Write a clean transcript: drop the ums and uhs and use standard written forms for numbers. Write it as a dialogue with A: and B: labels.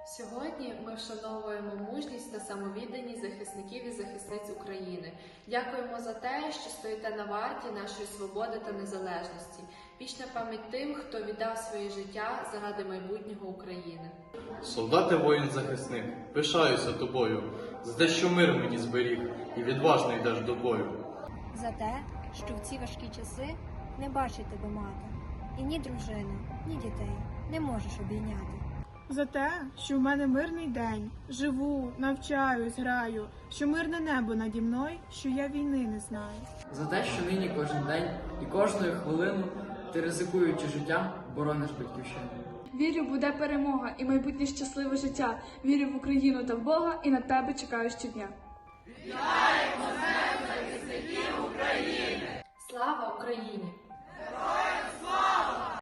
A: Сьогодні ми вшановуємо мужність та самовідданість захисників і захисниць України. Дякуємо за те, що стоїте на варті нашої свободи та незалежності. Вічна пам'ять тим, хто віддав своє життя заради майбутнього України.
B: Солдати, воїн-захисник, пишаюся тобою, за те, що мир мені зберіг і відважно йдеш до бою.
C: За те, що в ці важкі часи не бачить тебе мати, і ні дружину, ні дітей не можеш обійняти.
D: За те, що в мене мирний день, живу, навчаюсь, граю, що мирне небо наді мною, що я війни не знаю.
E: За те, що нині кожен день і кожну хвилину ти, ризикуючи життям, борониш батьківщину.
F: Вірю, буде перемога і майбутнє щасливе життя. Вірю в Україну та в Бога і на тебе чекаю щодня.
A: Слава Україні!